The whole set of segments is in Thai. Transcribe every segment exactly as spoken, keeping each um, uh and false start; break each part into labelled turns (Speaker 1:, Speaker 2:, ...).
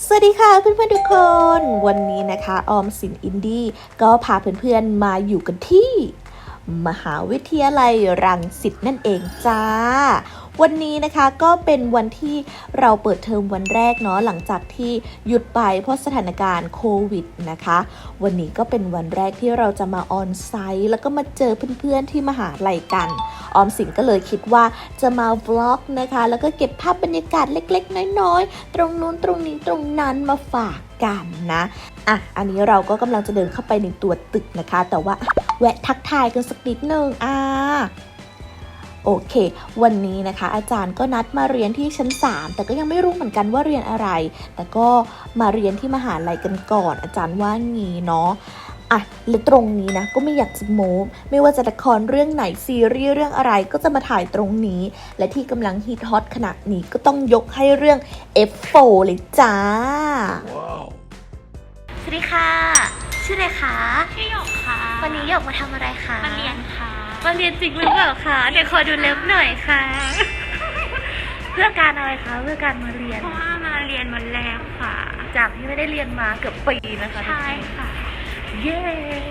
Speaker 1: สวัสดีค่ะเพื่อนๆทุกคนวันนี้นะคะออมสินอินดี้ก็พาเพื่อนๆมาอยู่กันที่มหาวิทยาลัยรังสิตนั่นเองจ้าวันนี้นะคะก็เป็นวันที่เราเปิดเทอมวันแรกเนาะหลังจากที่หยุดไปเพราะสถานการณ์โควิดนะคะวันนี้ก็เป็นวันแรกที่เราจะมาออนไซต์แล้วก็มาเจอเพื่อนๆที่มหาลัยกันออมสินก็เลยคิดว่าจะมาวล็อกนะคะแล้วก็เก็บภาพบรรยากาศเล็กๆน้อยๆตรงนู้นตรงนี้ตรงนั้นมาฝากกันนะอ่ะอันนี้เราก็กำลังจะเดินเข้าไปในตัวตึกนะคะแต่ว่าแวะทักทายกันสักนิดนึงอ่าโอเควันนี้นะคะอาจารย์ก็นัดมาเรียนที่ชั้นสามแต่ก็ยังไม่รู้เหมือนกันว่าเรียนอะไรแต่ก็มาเรียนที่มหาลัยกันก่อนอาจารย์ว่างี้เนาะอ่ะและตรงนี้นะก็ไม่อยากจะโม้ไม่ว่าจะละครเรื่องไหนซีรีส์เรื่องอะไรก็จะมาถ่ายตรงนี้และที่กำลังฮิตฮอตขณะนี้ก็ต้องยกให้เรื่อง เอฟ โฟร์ เลยจ้า wow.
Speaker 2: สวัสดีค่ะชื่ออะไรคะ
Speaker 3: ชื่อหยกค่ะ
Speaker 2: วันนี้หยกมาทำอะไรคะ
Speaker 3: มาเรียนค่ะ
Speaker 2: มาเรียนจริงหรือเปล่าคะเดี๋ยวขอดูเล็บหน่อยค่ะ เพื่อการอะไรคะเพื่อการมาเรียน
Speaker 3: เพราะว่ามาเรียนวันแรกค่ะ
Speaker 2: จากที่ไม่ได้เรียนมาเกือบปีนะคะ
Speaker 3: ใช่ค่ะ
Speaker 2: เย้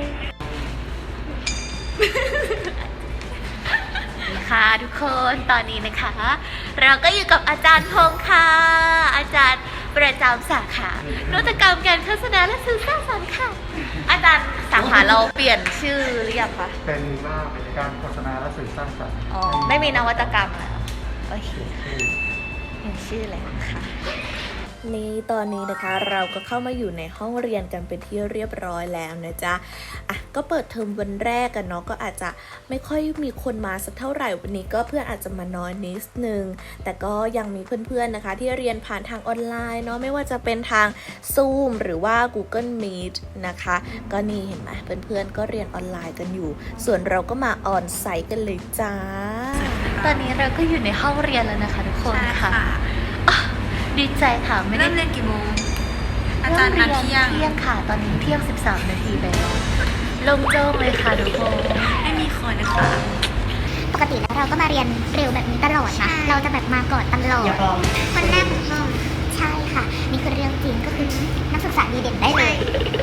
Speaker 2: ค่ะทุกคนตอนนี้นะคะเราก็อยู่กับอาจารย์พงษ์ค่ะอาจารย์ประจำสาขานวัตกรรมการโฆษณาและสื่อสร้างสรรค์ค่ะอาจารย์สาขาเราเปลี่ยนชื่อหรือยังคะ
Speaker 4: เป็นว่าการโฆษณาและสื่อสร้างสรรค์
Speaker 2: อ๋อไม่มีนวัตกรรมแล้วโอเคเปลี่ยนชื่อแล้วค่ะนี่ตอนนี้นะคะเราก็เข้ามาอยู่ในห้องเรียนกันเป็นที่เรียบร้อยแล้วนะจ๊ะอ่ะก็เปิดเทอมวันแรกกันเนาะก็อาจจะไม่ค่อยมีคนมาสักเท่าไหร่วันนี้ก็เพื่อนอาจจะมาน้อยนิดนึงแต่ก็ยังมีเพื่อนๆนะคะที่เรียนผ่านทางออนไลน์เนาะไม่ว่าจะเป็นทาง Zoom หรือว่า Google Meet นะคะก็นี่เห็นไหมเพื่อนๆก็เรียนออนไลน์กันอยู่ส่วนเราก็มาออนไซต์กันเลยจ้าตอนนี้เราก็อยู่ในห้องเรียนแล้วนะคะทุกคนค่ะดีใจค่ะไม่ได้
Speaker 3: เริ่มเรียนกี่โมงอาจารย์นัดเที่ยง
Speaker 2: เที่ยงค่ะตอนนี้เที่ยงสิบสามนาทีแล้วลงโจ้งเลยค่ะทุกคน
Speaker 3: ไม่มีคนนะคะ
Speaker 5: ปกติแล้วเราก็มาเรียนเร็วแบบนี้ตลอดนะเราจะแบบมาก่อนตลอดคนแรกของห้องใช่ค่ะนี่คือเรื่องจริงก็คือนักศึกษาดีเด่นได้เลย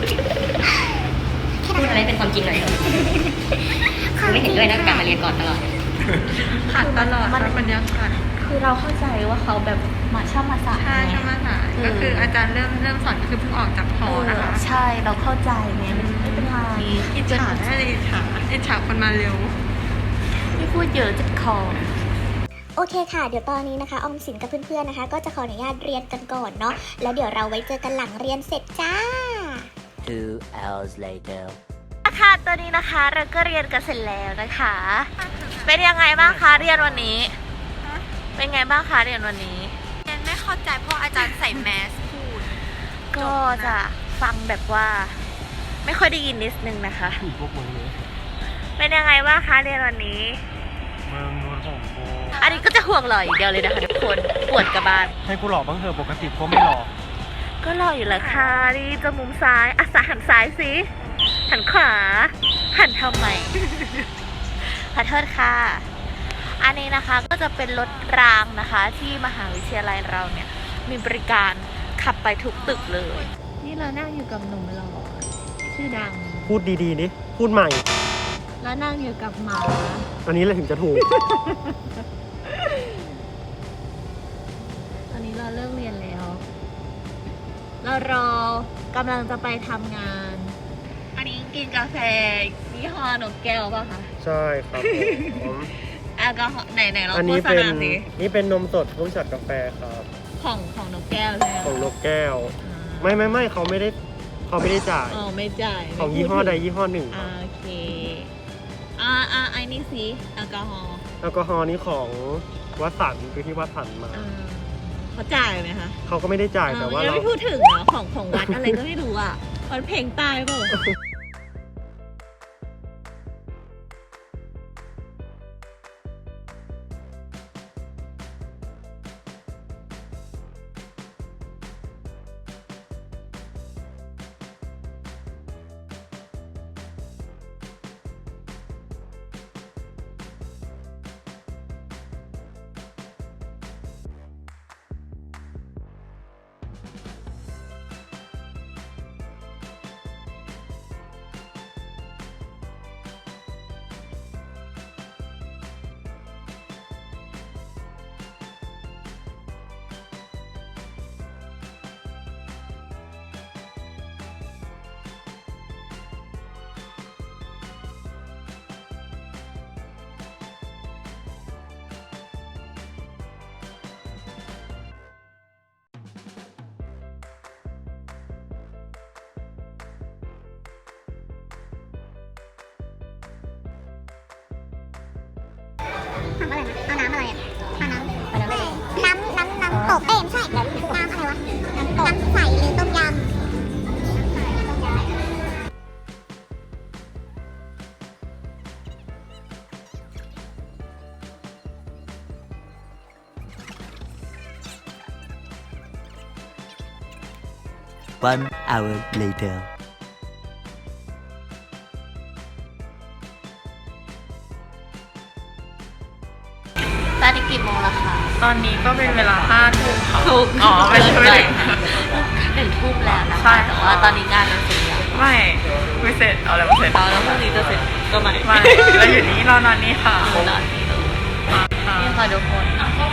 Speaker 6: พูดอะไรเป็นความจริงหน่อยไม่เห็นด้วยนะการมาเรียนก่อนตลอด
Speaker 3: ขาดตลอดมันบรรยากาศ
Speaker 2: คือเราเข้าใจว่าเขาแบบมาชอบมาสาย
Speaker 3: ใช่ชอบมาสายก็คืออาจารย์เริ่มเริ่มสอนคือเพิ่งออกจากหอนะคะ
Speaker 2: ใช่เราเข้าใจไงไม่เป็นไร
Speaker 3: อิจฉาได้เลยอิจฉาอิจฉาคนมาเร็ว
Speaker 2: ไม่พูดเยอะจัดคอ
Speaker 5: โอเคค่ะเดี๋ยวตอนนี้นะคะออมสินกับเพื่อนๆนะคะก็จะขออนุญาตเรียนกันก่อนเนาะแล้วเดี๋ยวเราไว้เจอกันหลังเรียนเสร็จจ้า
Speaker 7: two hours later
Speaker 2: ค่ะตอนนี้นะคะเราก็เรียนกันเสร็จแล้วนะคะเป็นยังไงบ้างคะเรียนวันนี้เป็นไงบ้างคะเรียนวันนี้
Speaker 3: เรียนไม่เข้าใจเพราะอาจารย์ใส่แมสพูด
Speaker 2: ก็จะฟังแบบว่าไม่ค่อยได้ยินนิดนึงนะคะเป็นยังไงบ้างคะเรียนวันนี้
Speaker 4: เมืองนวลของโบ
Speaker 2: อันนี้ก็จะห่วงหล่ออย่างเดียวเลยนะคะทุกคนปวดกระบาล
Speaker 4: ให้กูหล่อบ้างเถอะปกติก็ไม่หล่อ
Speaker 2: ก็หล่ออยู่แล้วค่ะนี่จมูกซ้ายอ่ะสาหันซ้ายสิหันขวาหันทำไมขอโทษค่ะอันนี้นะคะก็จะเป็นรถรางนะคะที่มหาวิทยาลัยเราเนี่ยมีบริการขับไปทุกตึกเลยนี่เรานั่งอยู่กับหนุ่มหล่อชื่อดัง
Speaker 4: พูดดีๆนี่พูดใหม่
Speaker 2: แล้วนั่งอยู่กับหมา
Speaker 4: อันนี้แหละถึงจะถูก
Speaker 2: ตอนนี้เราเลิกเรียนแล้วเรารอกำลังจะไปทำงานอันนี้กินกาแฟยี่ห้อนกแก้วป่ะคะ
Speaker 4: ใช่ครับผม
Speaker 2: แอลกอฮอล์ไหนไหนเราโฆษณาสิ
Speaker 4: นี่เป็นนมสดร่วมช็อตกาแฟครับ
Speaker 2: ของของนกแก้วใช่ไหม
Speaker 4: ของนกแก้วไม่ไม่ไม่เขาไม่ได้เขาไม่ได้จ่าย
Speaker 2: อ๋อไม่จ่าย
Speaker 4: ของยี่ห้อใดยี่ห้อหนึ่ง
Speaker 2: โอเคอ่าอ่าไอ้นี่สิแอลกอฮอล์
Speaker 4: แอลกอฮอล์นี้ของวัดสันคือที่วัดสันมา
Speaker 2: เขาจ่ายไหมคะ
Speaker 4: เขาก็ไม่ได้จ่ายแต่ว่า
Speaker 2: เราไม่พูดถึงเนาะของของวัดอะไรก็ไม่รู้อ่ะมันเพลงตายเปล่า
Speaker 5: ทำอะไรนะเอาน้ำอะไรอ่ะเอาน้ำเอาน้ำอะไรน้ำน้ำน้ำตกเอ้ยไม่ใช่น้ำอะไรวะน้ำตกน้ำใสหรือต้มยำ
Speaker 7: One hour later.
Speaker 2: ตอนนี้กี่โมงแล้วคะ
Speaker 3: ตอนนี้ก็เป็นเวลาห้าทุ่มค่ะ
Speaker 2: ถูก
Speaker 3: อ๋อไม่ใช่ไม่
Speaker 2: เล
Speaker 3: ได้
Speaker 2: ยหนึ่งทุ่มแล้วนะ
Speaker 3: ใช่
Speaker 2: คะแต่ว่าตอนนี้งานมันเสร็จแล้ว
Speaker 3: ไม่ไม่เสร็จเอาอะไรมาเสร็จ
Speaker 2: เอาแล้วพรุ่งนี้จะเสร็จก็ไม่
Speaker 3: ไม่เราอยู่นี่รอนอนนี่ค่ะ
Speaker 2: นอนนี่เลยนี่ค่ะทุกคน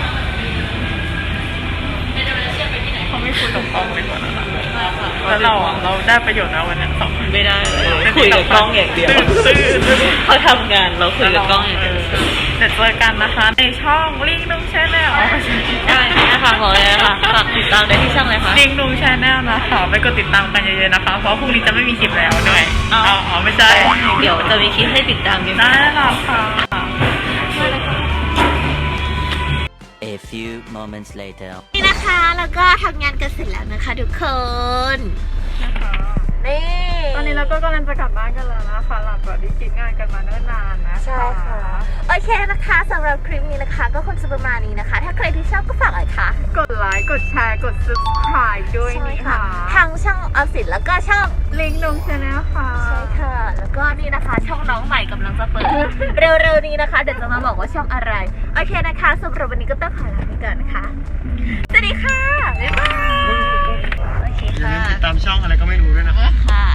Speaker 3: เขาไม่คุยกับกล้องเลยก่อนนะคะแล้วเราอ่ะเราได้ประโยชน์นะวันนี้สองคน
Speaker 2: ไม่ได้คุยกับกล้องอย่างเดียว
Speaker 3: ตื้อตื้อ
Speaker 2: เขาทำงานเราคุยกับกล้องอย่างเดียว
Speaker 3: เดี๋ยวเจอกันนะคะในช่องลิงนุ่งแชนแนล
Speaker 2: ใช่นะคะบอกเลยนะคะฝากติดตามได้ที่ช่องเลยค่ะ
Speaker 3: ลิงนุ่งแชนแนลนะคะไปกดติดตามกันเยอะๆนะคะ เพราะพรุ่งนี้จะไม่มีคลิปแล้วด้วย
Speaker 2: เอา
Speaker 3: อ๋อไม่ใช่
Speaker 2: เดี๋ยวจะมีคลิปให้ติดตามกัน
Speaker 3: ได้แล้วค่ะ
Speaker 7: A few moments later.
Speaker 2: นี่นะคะแล้วก็ทำงานกันเสร็จแล้วนะคะทุกคนนี่
Speaker 3: ตอนนี้เราก็กำลังจะกลับบ้านกันแล้วนะคะหลังจากที่คิดงานกันมาเนิ่นนานนะคะ
Speaker 2: ใช่ค่ะโอเคนะคะสำหรับคลิปนี้นะคะก็คงจะประมาณนี้นะคะ ถ้าใครที่ชอบก็ฝากเลยค่ะ
Speaker 3: กดไลค์กดแชร์กด subscribe ด้วยนี่ค่ะ
Speaker 2: ทั้งช่องออมสินแล้วก็ช่อง
Speaker 3: ลิงนุ่งแชนแนลค่ะ
Speaker 2: ใช่ค่ะ แล้วก็นี่นะคะช่องน้องใหม่กำลังจะเปิด เร็วๆนี้นะคะ เดี๋ยวจะมาบอกว่าช่องอะไร โอเคนะคะสำหรับวันนี้ก็ต้องขอลาไปก่อนนะคะ สวัสดีค่ะ บ๊ายบาย โอเค
Speaker 4: อย่า
Speaker 2: ค่ะ
Speaker 4: ลืมติดตามช่องอะไรก็ไม่รู้ด้วยนะ
Speaker 2: ค่ะ